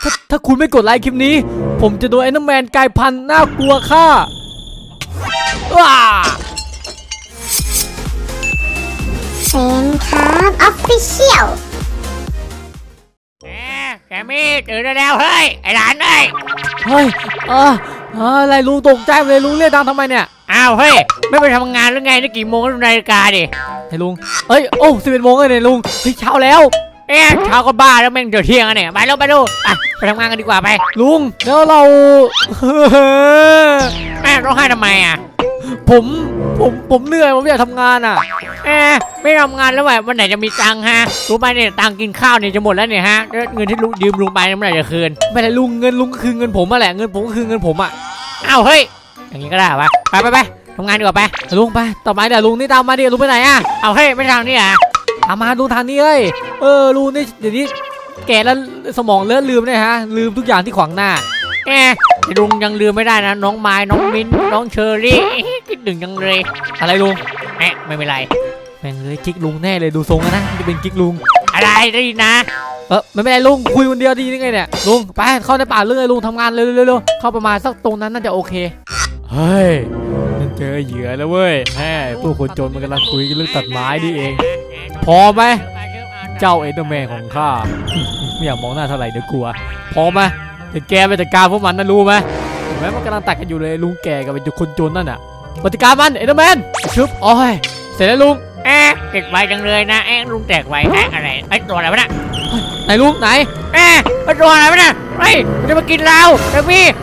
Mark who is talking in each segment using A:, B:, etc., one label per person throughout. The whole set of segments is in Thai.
A: ถ้าคุณไม่กดไลค์คลิปนี้ผมจะโดนเอ็นเดอร์แมนกลายพันธุ์น่ากลัวค่ะว้า
B: เซนครับออฟฟิเชียล
C: แกมี่ตื่นได้แล้วเฮ้ยไอ้หลานเอ้ย
A: เฮ้ยอะไรลุงตกใจเลยลุงเรียกดังทำไมเนี่ย
C: อ้าวเฮ้ยไม่ไปทำงานหรือไงนี่กี่โมงแล้วดูนาฬิกาดิ
A: ให้ลุงโอ้11 โมงเลยเนี่ยลุงเฮ้ยเช้าแล้ว
C: เช้าก็บ้าแล้วแม่งเดี๋ยวเที่ยงอ่ะเนี่ยไปแล้วไปทำงานกันดีกว่าไป
A: ลุงแล้วเรา
C: แม่ร้องไห้ทำไมอ่ะ
A: ผมเหนื่อยผมอยากทำงานอ่ะ
C: ไม่ทำงานแล้ววันไหนจะมีตังค์ฮะรู้ไหมเนี่ยตังค์กินข้าวเนี่ยจะหมดแล้วเนี่ยฮะเงินที่ลุงยืมลุงไปเมื่อไหร่จะคืน
A: ไม่ได้ลุงเงินลุงก็คือเงินผมมาแหละเงินผมก็คือเงินผมอ่ะ
C: อ้าวเฮ้ยอย่างนี้ก็ได้ปะไปทำงานดีกว่าไป
A: ลุงไปต่อไปเดี๋ยวลุงนี่ตามมาดิลุงไปไหนอ่ะ
C: เอาเฮ้ยไม่ทางนี้อ่ะ
A: ตามมาลุงทางนี้ลุงนี่เดี๋ยวนี้แก่แล้วสมองเลื่อนลืมเนี่ยฮะลืมทุกอย่างที่ขวางหน้า
C: ลุงยังลืมไม่ได้นะน้องไม้น้องมิ้นน้องเชอรี่คิดถึงยังเลย
A: อะไรลุง
C: ไม่เป็นไร
A: แม่งเลยกิ๊กลุงแน่เลยดูทรงนะจะเป็นกิ๊กลุง
C: อะไรได้นะ
A: ไม่เป็นไรลุงคุยคนเดียวดียังไงเนี่ยลุงไปเข้าในป่าเรื่องไอ้ลุงทำงานเร็วเข้าประมาณสักตรงนั้นน่าจะโอเคเฮ้ยนั่นเจอเหยื่อแล้วเว้ยผู้คนจนมันกำลังคุยกันเรื่องตัดไม้นี่เองพอไหมเจ้าเอ็นเดอร์แมนของข้าไม่อยากมองหน้าเท่าไหร่เดี๋ยวกลัวพอไหมเดี๋ยวแกไปจัดการพวกมันนะรู้ไหมเห็นไหมมันกำลังตัดกันอยู่เลยลุงแกกับไอ้คนจนนั่นน่ะปฏิการมันเอ็นเดอร์แมนชุบโอ้ยเสร็จแล้วลุง
C: เด็กไวจังเลยนะลุงแตกไวอะไรตัวอะไรวะน่ะ
A: ไหนลุงไหน
C: ตัวอะไรวะน่ะมันจะมากินเราเด็กพี่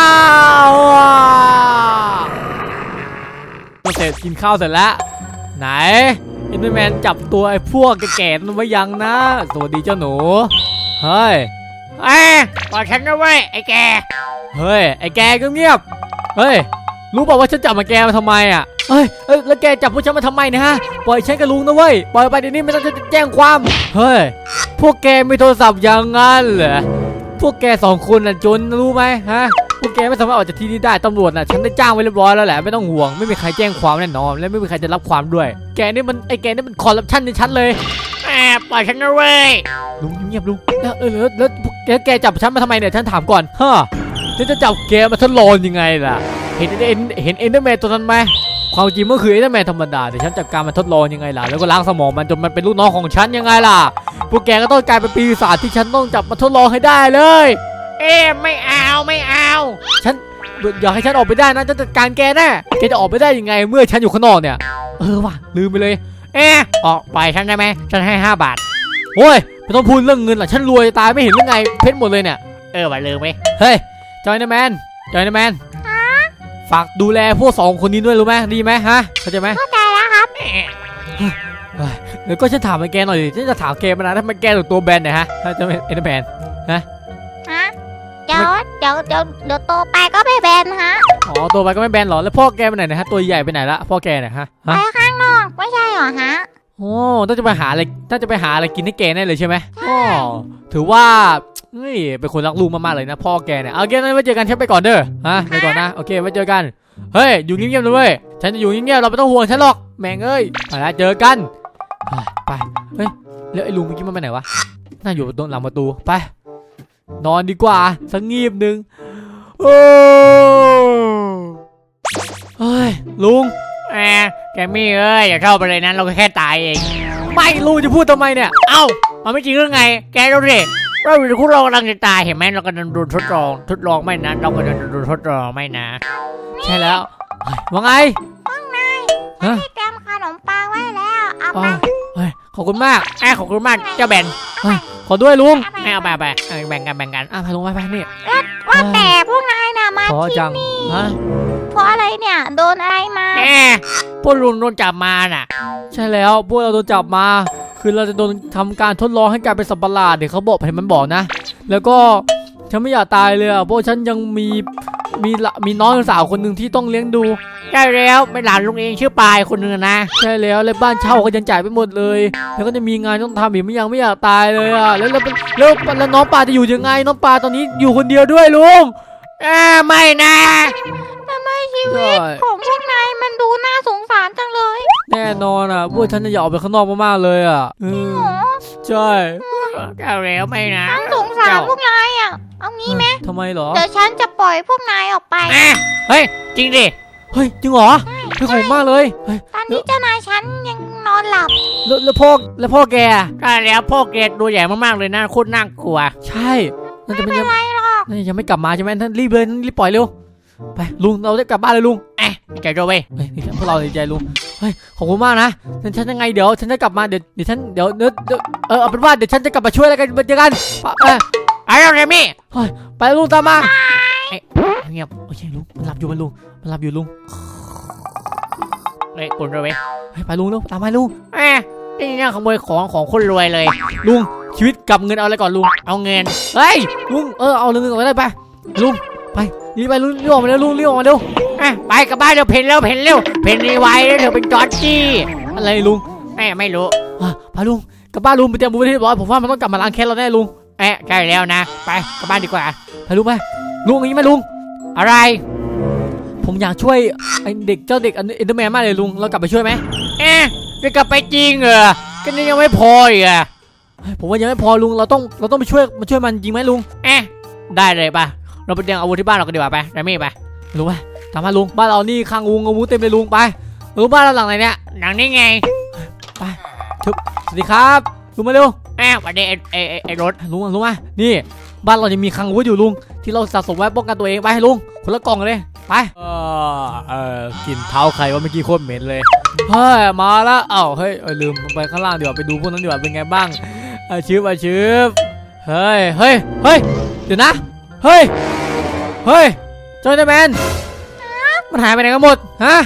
A: เสร็จกินข้าวเสร็จแล้วไหนเอ็นเดอร์แมนจับตัวไอ้พวกแก่ๆนั้นไว้ยังนะสวัสดีเจ้าหนูเฮ้ย
C: ปล่อยฉันนะเว้ยไอ้แก
A: เฮ้ยไอ้แกก็เงียบเฮ้ยรู้บอกว่าฉันจับมาแกมาทำไมอ่ะแล้วแกจับพวกฉันมาทำไมนะฮะปล่อยฉันกับลุงนะเว้ยปล่อยไปเดี๋ยวนี้ไม่ต้องจะแจ้งความเฮ้ยพวกแกมีโทรศัพท์อย่างงั้นเหรอพวกแก2 คนน่ะจนรู้ไหมฮะพวกแกไม่สามารถออกจากที่นี่ได้ตำรวจน่ะฉันได้จ้างไว้เรียบร้อยแล้วแหละไม่ต้องห่วงไม่มีใครแจ้งความแน่นอนและไม่มีใครจะรับความด้วยแกนี่มันคอร์รัปชันในชั้นเลย
C: ปล่อยฉันนะเว้ย
A: ลุงเงียบลุงแล้วแกจับฉันมาทำไมเนี่ยฉันถามก่อนฉันจะจับแกมาทดลองยังไงล่ะเห็นเอ็นเดอร์แมนตัวนั้นไหมความจริงมันคือเอ็นเดอร์แมนธรรมดาแต่ฉันจัดการมันทดลองยังไงล่ะแล้วก็ล้างสมองมันจนมันเป็นลูกน้องของฉันยังไงล่ะพวกแกก็ต้องกลายเป็นปีศาจที่ฉันต้องจับมาทดลองให้ได้เลย
C: ไม่เอา
A: ฉันอยากให้ฉันออกไปได้นะจะจัดการแกแน่แกจะออกไปได้ยังไงเมื่อฉันอยู่ข้างนอกเนี่ยว่ะลืมไปเลย
C: ออกไปฉันได้ไหมฉันให้5 บาท
A: โอ้ยไม่ต้องพูดเรื่องเงินหรอกฉันรวยตายไม่เห็นหรือไงเพชรหมดเลยเนี่ย
C: ไปลืมไหม
A: เฮ้ยจอยน์แมนฝากดูแลพวก2 คนนี้ด้วยรู้ไหมดีไหมฮะเข้าใจไหม
B: เข้าใจแล้วครับ
A: แล้วก็ฉันถามแกหน่อยดิฉันจะถามแกมานานถ้ามันแกตัวแบนเนี่ยฮะถ้าจะเป็นเอ็นเดอร์แมน
B: เดี๋ยวโตไปก็ไม่แบนฮะ
A: โตไปก็ไม่แบนหรอแล้วพ่อแกไปไหนนะฮะตัวใหญ่ไปไหนละพ่อแกเนี่ยฮะ
B: ไปข้างนอกไม่ใช่หรอฮะ
A: ต้องจะไปหาอะไรกินให้แกแน่เลยใช่ไหมถือว่าเป็นคนรักลูกมากๆเลยนะพ่อแกเนี่ยเอาเกมนั้นไว้เจอกันฉันไปก่อนเด้อไปก่อนนะโอเคไว้เจอกันเฮ้ยอยู่เงียบๆเลยฉันจะอยู่เงียบๆเราไม่ต้องห่วงฉันหรอกแม่งไปแล้วเจอกันไปแล้วไอ้ลุงเมื่อกี้มันไปไหนวะน่าอยู่ตรงหลังประตูไปนอนดีกว่าสักงีบนึงเฮ้ยลุง
C: แกมี่อย่าเข้าไปเลยนะเราแค่ตายเอง
A: ไม่ลุงจะพูดทำไมเนี่ย
C: มันไม่จริงหรือไงแกดูดิเราอยู่คู่เรากำลังจะตายเห็นไหมเรากำลังโดนทดลองไม่นะเรากำลังโดนทดลองไม่นะ
A: ใช่แล้วว่าไง
B: ฉันเตรียมขนมปังไว้แล้วเอาไป
A: ขอบคุณมาก
C: ขอบคุณมากเจ้าแบน
A: ขอด้วยลุง
C: เอาไปแบ่งกัน
A: ไปลุงไปนี่
B: ว่าแต่พวกนายน่ะมาที่นี่เพราะอะไรเนี่ยโดนอะไรมา
C: พวกลุงโดนจับมาน่ะ
A: ใช่แล้วพวกเราโดนจับมาคือเราจะโดนทำการทดลองให้กลายเป็นสัตว์ประหลาดเดี๋ยวเขาบอกให้มันบอกนะแล้วก็ฉันไม่อยากตายเลยเพราะฉันยังมีน้องสาวคนหนึ่งที่ต้องเลี้ยงดู
C: ใช่แล้วเป็นหลานลุงเองชื่อปายคนนึงนะ
A: ใช่แล้วบ้านเช่าก็ยังจ่ายไปหมดเลยแล้วก็จะมีงานต้องทำอีกไม่อยากตายเลยแล้วน้องปาจะอยู่ยังไงน้องปาตอนนี้อยู่คนเดียวด้วยลุง
C: ไม่นะ
B: ทำไมชีวิตของพวกนายมันดูน่าสงสารจังเลย
A: แน่นอนพวกฉันจะอยากออกไปข้างนอกมากๆเลย
B: จริงเหรอ
A: ใช่
C: เจ้าแล้วไม่นะ
B: ฉันสงสารพวกนายอ่ะเอางี้ไหม
A: ทำไมเหรอ
B: เดี๋ยวฉันจะปล่อยพวกนายออกไป
C: เฮ้ยจริงดิ
A: เฮ้ยจริงเหรอเฮ้ยขอบคุณมากเลยเฮ้ย
B: ตอนนี้เจ้านายฉันยังนอนหลับ
A: แล้วพ่อแกอะ
C: ใช่แล้วพ่อเกดตัวใหญ่มากๆเลยนะโคตรน่ากลัว
A: ใช่นั่นจะ
B: ไม่
A: เป็น
B: เป็นไรหรอก
A: นั่นยังไม่กลับมาใช่ไหมท่านรีบเลยรีบปล่อยเร็วไปลุงเราจะกลับบ้านเลยลุง
C: ใจโดเว้ย
A: เฮ้ยนี่พวกเราดีใจลุงเฮ้ยขอบคุณมากนะฉันยังไงเดี๋ยวฉันจะกลับมาเดี๋ยวฉันเดี๋ยวเอาเป็นว่าเดี๋ยวฉันจะกลับมาช่วยแล้วกันเจอกันไป
C: ไอ้เราเรมี่
A: ไปลุงตามมาเงียบโอเคลุงมันหลับอยู่ลุง
C: เฮ้ยคุณโดเว้ย
A: เฮ้ยไปลุงเร็วตามมาลุง
C: นี่เนี่ยขโมยของคนรวยเลย
A: ลุงชีวิตกับเงินเอาอะไรก่อนลุง
C: เอาเงิน
A: เฮ้ยลุงเอาเงินก่อนได้ไปลุงไปรีบไปลุงรีบออกมาเร็วลุงรีบออกมาเร็ว
C: ไปกลับบ้านเร็วเพนรีไวแล้วเธอเป็นจอร์จี้
A: อะไรลุง
C: ไม่รู้
A: ไปลุงกลับบ้านลุงไปเตรียมบุญที่เรียบร้อยผมว่ามันต้องกลับมาล้างแค้นเราแน่ลุง
C: ใกล้แล้วนะไปกลับบ้านดีกว่า
A: ไปลุงอย่างนี้ไหมลุง
C: อะไร
A: ผมอยากช่วยไอเด็กเจ้าเด็กอันเอ็นเดอร์แมนมากเลยลุงเรากลับไปช่วยไหม
C: จะกลับไปจริงเหรอก็นี่ยังไม่พออีกอะ
A: ผมว่ายังไม่พอลุงเราต้องไปช่วยมันจริงไหมลุง
C: ได้เลยป่ะเราไปเตรียมอาวุธที่บ้านเรากันดีกว่าไปเรมี่ไป
A: ลุงไปตามมาลุงบ้านเรานี่ข้างงูงูเต็มเลยลุงไปลุงบ้านเราหลังไหนเนี่ย
C: หนังนี่ไง
A: สวัสดีครับลุงมาเร็ว
C: วันนี้ไอ้รถ
A: ลุงมานี่บ้านเรายังมีคลังอาวุธอยู่ลุงที่เราสะสมไว้ป้องกันตัวเองไปให้ลุงคนละกล่องเลยไปกลิ่นเท้าใครว่าเมื่อกี้โคตรเหม็นเลยเฮ้ยมาแล้วเฮ้ยลืมไปข้างล่างดีกว่าไปดูพวกนั้นดีกว่าเป็นไงบ้างชืบเฮ้ยเดี๋ยวนะเฮ้ยเจ้าเดแมนมันหายไปไหนกันหมดฮะ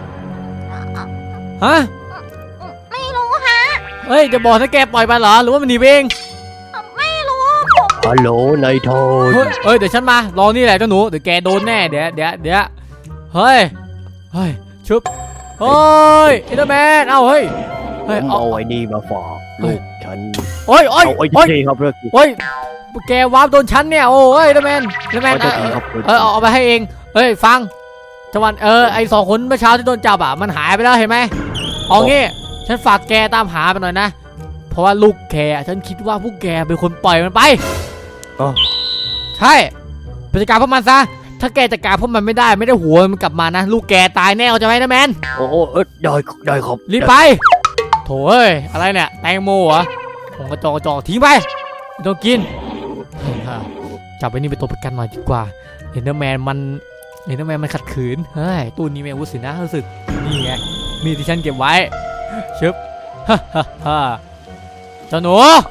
B: ไม่รู้ฮะ
A: เฮ้ยจะบอกถ้าแกปล่อยไปเหรอหรือว่ามันหนีไปเอง
B: ไม่รู้
D: ฮัลโหลนายโทน
A: เฮ้ยเดี๋ยวฉันมารอนี่แหละเจ้าหนูเดี๋ยวแกโดนแน่เดี๋ยวเฮ้ยชุบเฮ้ยเอเดอร์แมนเฮ้ย
D: ผมเอาไอ้นี่มาฝากลูกฉัน
A: โอ้ย
D: เอาไอ้ที่ครับเรื่อง
A: โอ้ยแกวาร์ปโดนฉันเนี่ยโอ้ยเอเดอร์แมนเอาไปให้เองเฮ้ยฟังจังหวะไอสองคนเมื่อเช้าที่โดนจับมันหายไปแล้วเห็นไหมเอางี้ฉันฝากแกตามหาไปหน่อยนะเพราะว่าลูกแกฉันคิดว่าพวกแกเป็นคนปล่อยมันไปใช่ไปจัดการพวกมันซะถ้าแกจัดการพวกมันไม่ได้หัวมันกลับมานะลูกแกตายแน่เอาใจไหมนะแมน
D: โอ้ได้ครับ
A: รีบไปโถ่เอ้ยอะไรเนี่ยแตงโมเหรอผมกระจอกทิ้งไปไม่ต้องกินจับไว้นี่เป็นตัวประกันหน่อยดีกว่าเอ็นเดอร์แมนมันขัดขืนเฮ้ยตู้นี้มีอาวุธสินะรู้สึกนี่ไงมีที่ฉันเก็บไว้ชึบฮ่าเจ้าหนู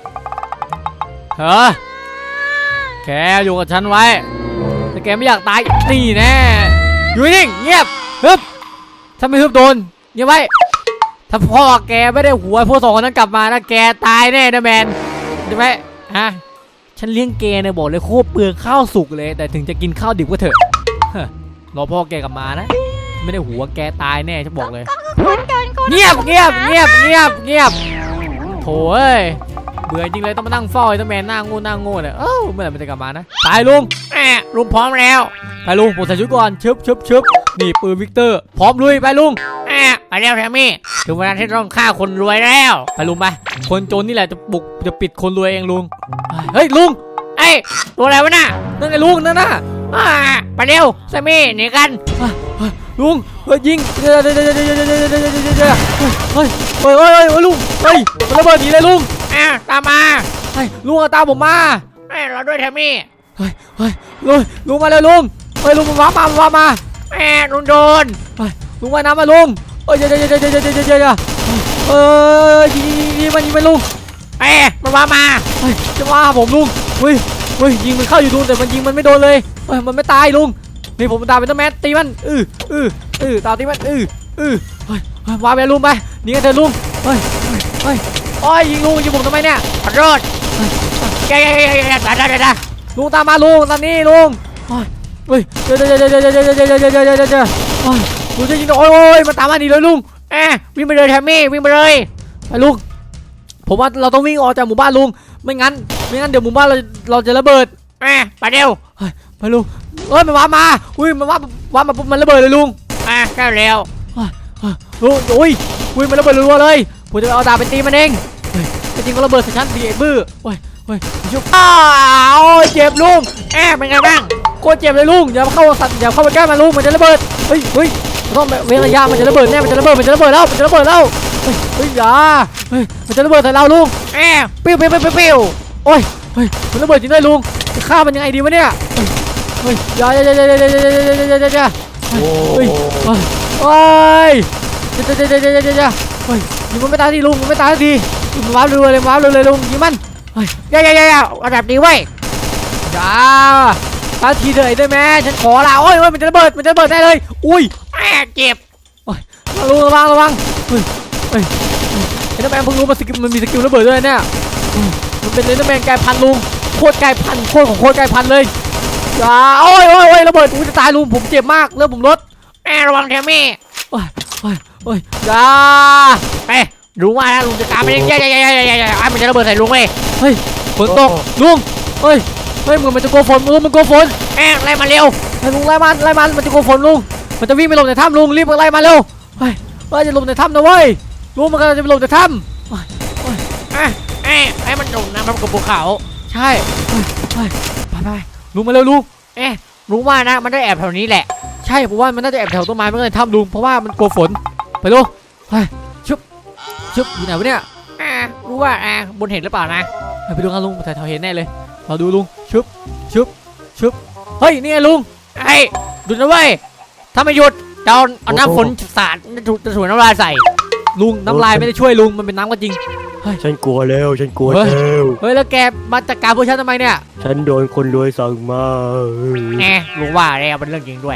A: แกอยู่กับฉันไว้แต่แกไม่อยากตายนี่แน่อยู่นิ่งเงียบฮึบถ้าไม่ฮึบโดนเงียบไว้ถ้าพ่อแกไม่ได้หัวพวกสองคนนั้นกลับมานะแกตายแน่นะแมนใช่ไหมฉันเลี้ยงแกเนี่ยบอกเลยโคตรเปลืองข้าวสุกเลยแต่ถึงจะกินข้าวดิบก็เถอะรอพ่อแกกลับมานะไม่ได้หัวแกตายแน่ฉันบอกเลยเงียบโถ่เอ้ยเบื่อจริงเลยต้องมานั่งเฝ้าไอ้ตัวแมนหน้าโง่เนี่ยเมื่อไหร่มันจะกลับมานะตายลุง
C: ลุงพร้อมแล้ว
A: ไปลุงผมใส่ชุดก่อนชึบนี่ปืนวิกเตอร์พร้อมลุยไปลุง
C: ไปแล้วแทมมี่ถึงเวลาที่ต้องฆ่าคนรวยแล้ว
A: ไปลุงไปคนจนนี่แหละจะปิดคนรวยเองลุงเฮ้ยลุง
C: ตัวอะไรวะน่ะ
A: นั่นไงลุงนั่นน่ะ
C: ไปเร็วแซมมี่หนีกัน
A: ลุงยิงเฮ้ยลุงมันระเบิดหนีเลยลุง
C: ตามมา
A: ลุงเอาตามผมมา
C: เราด้วยแทมมี่
A: ลุงมาเลยลุงลุงมันว้ามา
C: ลุงโดน
A: ลุงว่ายน้ำมาลุงยิงมันลุง
C: มันว่ามา
A: จะว่าผมลุงยิงมันเข้าอยู่ลุงแต่มันยิงมันไม่โดนเลยมันไม่ตายลุงนี่ผมตามเป็นต้นแมสตีมันตามตีมันวางไปลุงไปนี่กันเถอะลุงยิงลุงยิงผมทำไมเนี่ย
C: ขอโทษได้
A: ลุงตามมาลุงตามนี้ลุงลุงจะยิงโอ้ยมันตามมาหนีเลยลุง
C: วิ่งไปเลยแทมมี่วิ่งไปเลย
A: ไปลุงผมว่าเราต้องวิ่งออกจากหมู่บ้านลุงไม่งั้นเดี๋ยวหมู่บ้านเราจะระเบิด
C: ไปเร็ว
A: ไปลุงมันว้ามามันว้ามาปุ๊บมันระเบิดเลยลุง
C: แค่เร็ว
A: ลุงมันระเบิดรัวเลยผมจะเอาดาบไปตีมันเองจริงก็ระเบิดใส่ฉันดิไอ้บื้อโอ้ยชุบอ้าวเจ็บลุง
C: เป็นไงบ้าง
A: โคตรเจ็บเลยลุงอย่าเข้าสัตว์อย่าเข้าไปใกล้มันลุงมันจะระเบิดเฮ้ยต้องเว้นระยะมันจะระเบิดแน่มันจะระเบิดแล้วเฮ้ยอย่ามันจะระเบิดใส่เราลุง
C: ปิ้ว
A: โอ้ยมันระเบิดจริงด้วยลุงจะฆ่ามันยังไงดีวะเนี่ยเฮ้ยอย่าเฮ้ยโอ้ยยิงมันไม่ตายทีลุงมันไม่ตายทีมันว้าวเลยลุงยิงมัน
C: อย่าระดับนี้เว้ย
A: อย่าตายทีเถอะไอ้แม่ฉันขอละโอ้ยมันจะระเบิดได้เลยอุ้ย
C: เจ็บ
A: ลุงระวังไอ้น้ำแมนเพิ่งรู้มันมีสกิลระเบิดด้วยเนี่ยมันเป็นน้ำแมนกลายพันธุ์ลุงโคตรกลายพันธุ์ของโคตรกลายพันธุ์เลยอย่าโอ้ยระเบิดกูจะตายลุงผมเจ็บมากเลือดผมลด
C: ระวังแทมี่
A: อย่า
C: รู้ว่านะลุงจะตามไปยังมันจะระเบิดใส่ลุงเว้ย
A: ฝนตกลุงเฮ้ยมันจะโกฝนมันโกฝน
C: ไล่มาเร็ว
A: ไอ้ลุงไล่มันมันจะโกฝนลุงมันจะวิ่งไปหลบในถ้ำลุงรีบไปไล่มาเร็วจะหลบในถ้ำนะเว้ยลุงมันกำลังจะไปหลบในถ้ำ
C: ให้มันโดดน้ำกับภูเขา
A: ใช่ไปลุงมาเร็วลุง
C: รู้ว่านะมันได้แอบแถวนี้แหละ
A: ใช่ผมว่ามันน่าจะแอบแถวต้นไม้มันก็เลยถ้ำลุงเพราะว่ามันกลัวฝนไปลุงชุบอยู่ไหนวะเนี่ย
C: รู้ว่าบนเห็นหรือเปล่านะ
A: ไปดูกันลุงแถวเห็นแน่เลยเราดูลุงชุบเฮ้ยนี่ไงลุง
C: หยุดนะเว้ยถ้าไม่หยุดจะเอาน้ำฝนสาดจะถูน้ำลายใส่
A: ลุงน้ำลายไม่ได้ช่วยลุงมันเป็นน้ำก็จริง
D: ฉันกลัวแล้ว
A: เฮ้ยแล้วแกมาจัดการพวกฉันทำไมเนี่ย
D: ฉันโดนคนรวยสั่งมา
C: รู้ว่าแล้วเป็นเรื่องจริงด้วย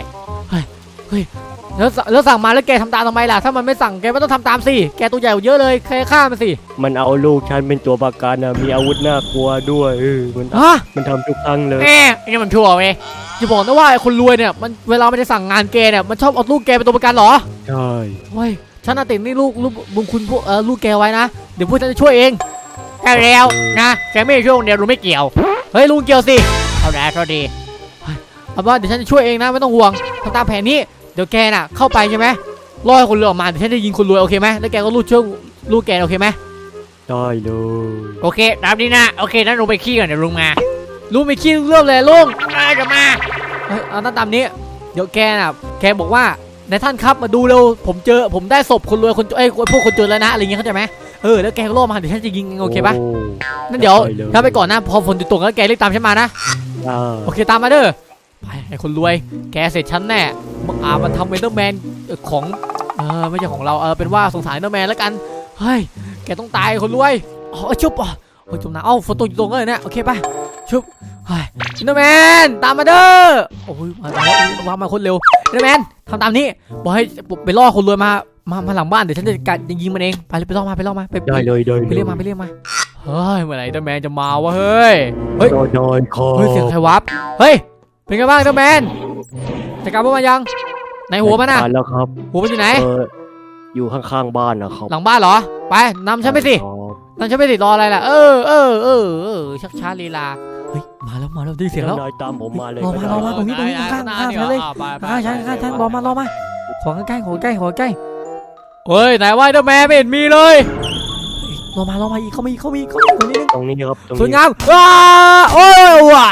A: แล้วสั่งมาแล้วแกทำตามทำไมล่ะถ้ามันไม่สั่งแกไม่ต้องทำตามสิแกตัวใหญ่กว่าเยอะเลยแค่ฆ่ามันสิ
D: มันเอาลูกฉันเป็นตัวประกันนะมีอาวุธน่ากลัวด้วยมันทำทุกครั้งเลย
C: นี่มันชั่วเว้ย
A: จะบอกนะว่าไอ้คนรวยเนี่ยมันเวลามันจะสั่งงานแกเนี่ยมันชอบเอาลูกแกเป็นตัวประกันเหรอ
D: ใช่
A: เฮ้ยฉันน่ะติดนี่ลูกบุญคุณพวกลูกแกไว้นะเดี๋ยวพวกฉันจะช่วยเอง
C: แล้วนะแกไม่ช่วยคนเดียวลุงไม่เกี่ยว
A: เฮ้ยลุงเกี่ยวสิ
C: เอาได้เท่าดี
A: เอาว่าเดี๋ยวฉันจะช่วยเองนะไม่ต้องห่วงทำตามแผนนี้เดี๋ยวแกน่ะเข้าไปใช่ไหมล่อให้คนรวยออกมาเดี๋ยวฉันจะยิงคนรวยโอเคไหมแล้วแกก็ลูกช่วยลูกแกโอเคไหม
D: ได้เลย
C: โอเคตามนี้นะโอเคนั้นลุงไปขี้ก่อนเดี๋ยวลุงมา
A: ลุงไม่คิดเรื่องเลยลุง
C: จะมา
A: เอาตามนี้เดี๋ยวแกน่ะแกบอกว่านายท่านครับมาดูเร็วผมได้ศพคนรวยคนพวกคนจนแล้วนะอะไรเงี้ยเข้าใจไหมแล้วแกก็ล่อมาเดี๋ยวฉันจะยิงโอเคปะนั่นเดี๋ยวถ้าไปก่อนนะพอฝนตกแล้วแกรีบตามฉันมานะโอเคตามมาเด้อไปไอ้คนรวยแกเสร็จฉันแน่มันทำเวนเดอร์แมนของไม่ใช่ของเราเป็นว่าสงสารเวนเดอร์แมนแล้วกันเฮ้ยแกต้องตายคนรวยชุบจมน้ำฝนตกอยู่ตรงเลยเนี่ยโอเคปะชุบเฮ้ยเวนเดอร์แมนตามมาเด้อโอ้ยมาคนเร็วเวนเดอร์แมนทำตามนี้บอกให้ไปล่อคนรวยมาหลังบ้านเดี๋ยวฉันจะยิงมันเองไปล่อมา
D: ได้เลย
A: ไปเรียกมาเฮ้ยเมื่อไหร่เดอร์แมนจะมาวะเฮ้ย
D: นอนคอ
A: เสียงใครวับเฮ้ยเป็นไงบ้างเดอร์แมนจัดการพวกมันยังในหัวมันน่ะ
D: แล้วครับ
A: หัวมันอยู่ไหน
D: อยู่ข้างๆบ้านนะครับ
A: หลังบ้านเหรอไปนำฉันไปสิรออะไรล่ะชักช้าลีลาเฮ้ยมาแล้วได้เสียงแล้ว
D: ตามผมมาเลย
A: รอมาตรงนี้ข้างเลยข้างรอมาขอใกล้เฮ้ยไหนว่าเดอร์แมนไม่เห็นมีเลยรอมาอีกเขามีตรงนี้
D: ครับ
A: สวยงามโอ้ยว้า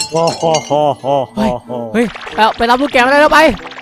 A: เฮ้ยไปรับลูกแกมาได้แล้วไป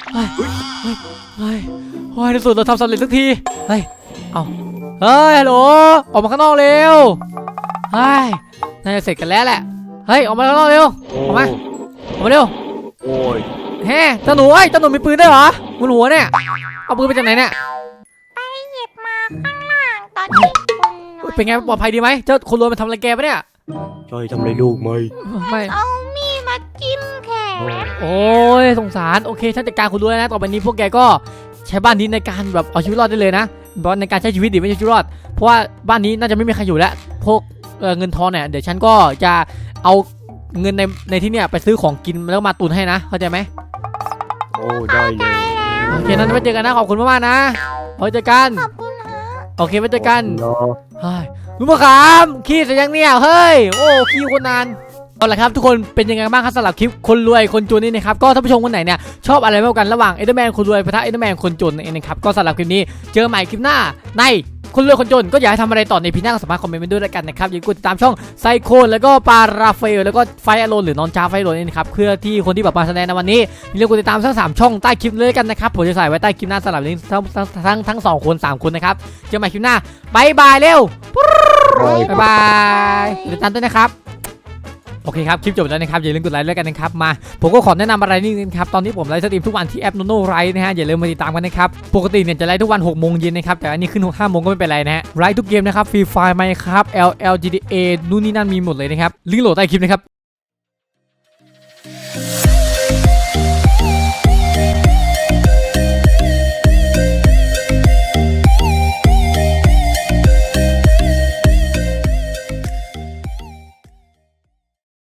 A: ในสุดเราทำสำเร็จสักทีเฮ้ยฮัลโหลออกมาข้างนอกเร็วน่าจะเสร็จกันแล้วแหละเฮ้ยออกมาข้างนอกเร็วออกมาเร็ว
D: โอ้ย
A: เฮ้เจ้าหนูมีปืนด้วยเหรอบนหัวเนี่ยเอาปืนไปจากไหนเนี่ย
B: ไปหยิบมาข้างล่างตอนนี้
A: เป็นไงปลอดภัยดีไหมเจ้าคนรวยมันทำอะไรแกปะเนี่ย
D: ช่วยทำอะไรลูกไหม
A: ไม่
B: เอามีดมาจิ้มแขน
A: โอ้ยสงสารโอเคฉันจัดการคนรวยนะต่อไปนี้พวกแกก็ใช้บ้านนี้ในการแบบเอาชีวิตรอดได้เลยนะในการใช้ชีวิตดิไม่ใช่ชีวิตรอดเพราะว่าบ้านนี้น่าจะไม่มีใครอยู่แล้วพวกเงินทองเนี่ยเดี๋ยวฉันก็จะเอาเงินในที่เนี่ยไปซื้อของกินแล้วมาตุนให้นะเข้าใจไหม
D: โอ้ได้เลย
A: โอเคนั้นไว้เจอกันนะขอบคุณมากๆนะไว้เจอกัน
B: ขอบคุณนะ
A: โอเคไว้เจอกันลุงมะขามขี้เสร็จยังเนี่ยเฮ้ยโอ้ขี้คนนานเอาละครับทุกคนเป็นยังไงบ้างครับสำหรับคลิปคนรวยคนจนนี่นะครับก็ท่านผู้ชมคนไหนเนี่ยชอบอะไรมากกันระหว่างเอเดอร์แมนคนรวยปะทะเอเดอร์แมนคนจนนะครับก็สำหรับคลิปนี้เจอใหม่คลิปหน้าในคนรวยคนจนก็อยากให้ทำอะไรต่อในพีหน้าก็สามารถคอมเมนต์มาด้วยแล้วกันนะครับอย่าลืมกดติดตามช่องไซโคนแล้วก็ปาราเฟลแล้วก็ไฟอโลนหรือนอนจาไฟอโลนนี่นะครับเพื่อที่คนที่แบบมาแสดงในวันนี้อย่าลืมกดติดตามทั้ง3ช่องใต้คลิปเลยกันนะครับผมจะใส่ไว้ใต้คลิปหน้าสำหรับลิงก์ทั้ง2คน3คนนะครับเจอกันใหม่คลิปหน้าบายบายเร็วบายบายติดตามด้วยนะครับโอเคครับคลิปจบแล้วนะครับอย่าลืมกดไลค์ด้วยกันนะครับมาผมก็ขอแนะนำอะไรนิดนึงครับตอนนี้ผมไลฟ์สตรีมทุกวันที่แอป Nono Live นะฮะอย่าลืมมาติดตามกันนะครับปกติเนี่ยจะไลฟ์ทุกวัน6 โมงเย็นนะครับแต่อันนี้ขึ้น5 โมงก็ไม่เป็นไรนะฮะไลฟ์ทุกเกมนะครับฟรีไฟล์ไหมครับ LLGDA นู่นนี่นั่นมีหมดเลยนะครับลิงก์โหลดใต้คลิปนะครับ